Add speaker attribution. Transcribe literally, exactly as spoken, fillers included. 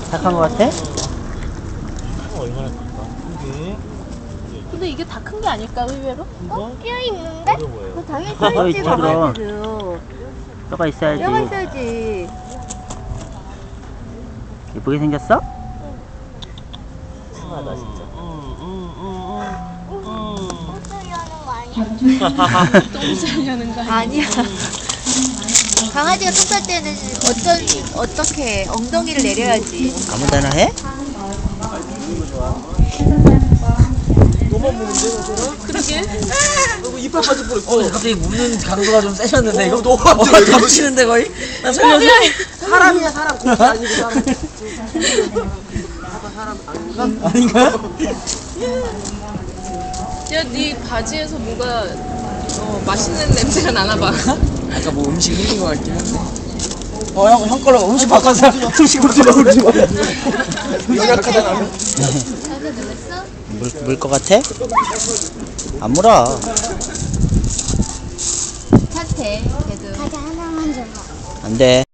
Speaker 1: 닭한 거 같아?
Speaker 2: 얼마나 클까? 이게
Speaker 3: 근데 이게 다 큰 게 아닐까 의외로?
Speaker 4: 어? 끼어 있는데?
Speaker 2: 어려 보여요.
Speaker 4: 그 당연히
Speaker 1: 뼈
Speaker 4: 뼈 있지.
Speaker 1: 있지,
Speaker 4: 가만히
Speaker 1: 그럼.
Speaker 4: 있어도.
Speaker 1: 뼈가 있어야지.
Speaker 4: 뼈가 있어야지.
Speaker 1: 예쁘게 생겼어?
Speaker 2: 심하다 진짜.
Speaker 4: 똥 싸려는 거 아니야?
Speaker 3: 똥 싸려는 거 아니야?
Speaker 4: 아니야. 강아지가 똥 쌀 때는 어쩐 어떻게 엉덩이를 내려야지.
Speaker 1: 아무데나 해?
Speaker 2: 너만 보는데 너처럼?
Speaker 3: 그러게.
Speaker 2: 이거 이빨 빠질 뻔했어.
Speaker 5: 어, 갑자기 우는 강도가 좀 세셨는데 이거
Speaker 2: 너무
Speaker 5: 어, 겹치는데 거의? 나 살려줘.
Speaker 2: 사람이야 사람. 고기 아니고 사람. 사람
Speaker 5: 아닌가요?
Speaker 3: 야, 네 바지에서 뭐가 어, 맛있는 냄새가 나나 봐.
Speaker 5: 아까 뭐 음식 흘린 거 같긴 한데. 어, 형, 형 걸로 음식 바꿔서 음식 바꿔서 음식 바꿔서.
Speaker 2: 연약하다.
Speaker 4: 자세 놀랬어?
Speaker 1: 물, 물 것 같아? 안 물어.
Speaker 4: 탓해. 걔도. 과자 하나만 줘.
Speaker 1: 안 돼.